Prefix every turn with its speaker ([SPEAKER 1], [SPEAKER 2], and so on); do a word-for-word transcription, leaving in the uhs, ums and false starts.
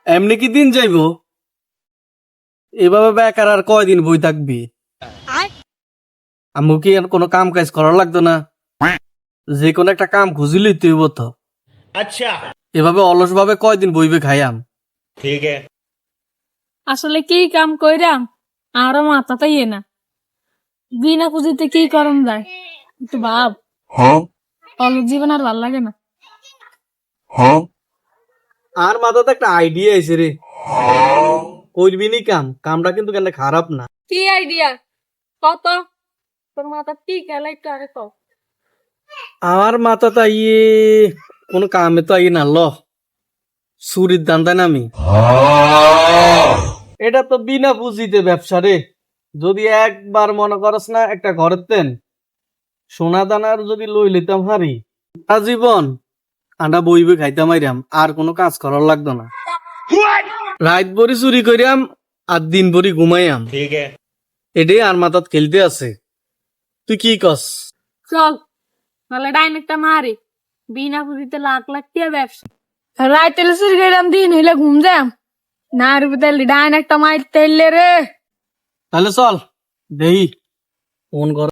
[SPEAKER 1] এমনি কি দিন যাইব? এভাবে বেকার আর কয়দিন বই থাকবি? আমু কি আর কোনো কাম কাজ করার লাগতো না? যে কোনো একটা কাম খুঁজিলই তুই তো।
[SPEAKER 2] अच्छा
[SPEAKER 1] এভাবে অলস ভাবে কয়দিন বইবে খাইয়াম?
[SPEAKER 2] ठीक है।
[SPEAKER 3] আসলে কি কাম কইরাম আরো মাথাতে ইয়ে না বিনা পুঁজিতে কি করম যায় একটু ভাব। অলস জীবন আর ভাল লাগে না।
[SPEAKER 1] আর মাথাতে একটা আইডিয়া আইছে রে, করবি নি কাম, কামটা কিন্তু কেন খারাপ না।
[SPEAKER 3] কি আইডিয়া কত তোর মাথা কি খেলাই তো আরে তো
[SPEAKER 1] আমার মাথাতে আইয়ে কোনো কামে তো আইয়ে না ল, চুরির দান্দায় নামি। এটা তো বিনা পুঁজিতে ব্যবসা রে। যদি একবার মনে করস না একটা ঘরের তেন সোনা দানার যদি লই লিতাম হারি, জীবন আন্ডা বইবে খাইতাম আইরাম, আর কোনো কাজ করার লাগতো না। রাত ভরি চুরি করিয়াম আর দিন ভরি ঘুমাইয়াম,
[SPEAKER 2] ठीक है।
[SPEAKER 1] এটাই আর মাথাত খেলতে আছে। তুই কি কস?
[SPEAKER 3] চল তাহলে ডাইনেকটা মারি বিনা পুঁজিতে লাখ লাখ টাকা ব্যবসা। রাইতে চুরি কইরাম দিন হইলে ঘুম যাম না রে বুঝলি ডাইন একটা মাইর তেলে রে।
[SPEAKER 1] তাহলে চল দেহি ফোন কর।